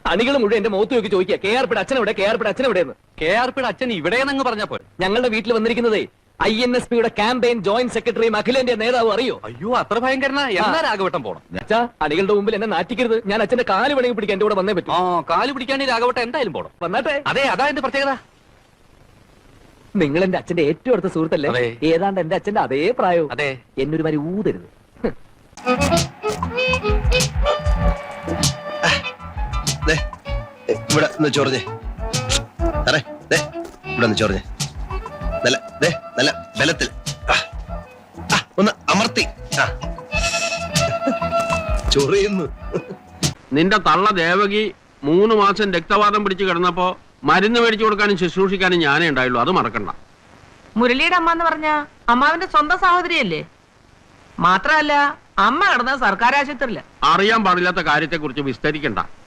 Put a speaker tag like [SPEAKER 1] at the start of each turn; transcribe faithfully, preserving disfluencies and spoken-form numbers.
[SPEAKER 1] അണികൾ മുഴുവൻ എന്റെ മുഖത്ത് നോക്കി ചോദിക്കുക കെ ആർ പിയുടെ അച്ഛൻ എവിടെ, കെ ആർ പിയുടെ അച്ഛൻ എവിടെയെന്ന്.
[SPEAKER 2] കെ ആർ പിയുടെ അച്ഛൻ ഇവിടെയെന്നങ്ങ് പറഞ്ഞപ്പോ
[SPEAKER 1] ഞങ്ങളുടെ വീട്ടിൽ വന്നിരിക്കുന്നതേ ഐ എൻ എസ് പിയുടെ ക്യാമ്പയിൻ ജോയിന്റ് സെക്രട്ടറിയും അഖിലേന്ത്യാ നേതാവ് അറിയോ?
[SPEAKER 2] അയ്യോ അത്ര ഭയങ്കരനാ. എന്നാ രാഘവട്ടം പോണം.
[SPEAKER 1] അച്ഛാ അണികളുടെ മുമ്പിൽ എന്നെ നാറ്റിക്കരുത്. ഞാൻ അച്ഛന്റെ കാല് വേണമെങ്കിൽ പിടിക്കാൻ എന്റെ കൂടെ വന്നേ പറ്റും.
[SPEAKER 2] ആ കാല് പിടിക്കാൻ രാഘവട്ടം എന്തായാലും പോണം.
[SPEAKER 1] വന്നാട്ടെ.
[SPEAKER 2] അതെ അതാ എന്റെ പ്രത്യേകത.
[SPEAKER 1] നിങ്ങൾ എന്റെ അച്ഛന്റെ ഏറ്റവും അടുത്ത സുഹൃത്തല്ലേ? ഏതാണ്ട് എന്റെ അച്ഛന്റെ അതേ പ്രായവും.
[SPEAKER 2] അതെ.
[SPEAKER 1] എന്നൊരു മാതിരി ഊതരുത്.
[SPEAKER 3] ഇവിടെ ഒന്ന് ചൊറിഞ്ഞേ സാറേ, ഇവിടെ ഒന്ന് ചൊറിഞ്ഞേ. നല്ല നല്ല ബലത്തിൽ ഒന്ന് അമർത്തി ചൊറിയുന്നു.
[SPEAKER 4] നിന്റെ തള്ള ദേവകി മൂന്ന് മാസം രക്തവാദം പിടിച്ച് കിടന്നപ്പോ മരുന്ന് മേടിച്ചു കൊടുക്കാനും ശുശ്രൂഷിക്കാനും ഞാനേ ഉണ്ടായുള്ളൂ. അത് മറക്കണ്ട.
[SPEAKER 5] മുരളിയുടെ അമ്മ എന്ന് പറഞ്ഞ അമ്മാവിന്റെ സ്വന്തം സഹോദരിയല്ലേ? മാത്രല്ല അമ്മ കിടന്ന സർക്കാർ ആശുപത്രിയില്ല.
[SPEAKER 4] അറിയാൻ പാടില്ലാത്ത കാര്യത്തെ കുറിച്ച് വിസ്തരിക്കണ്ട.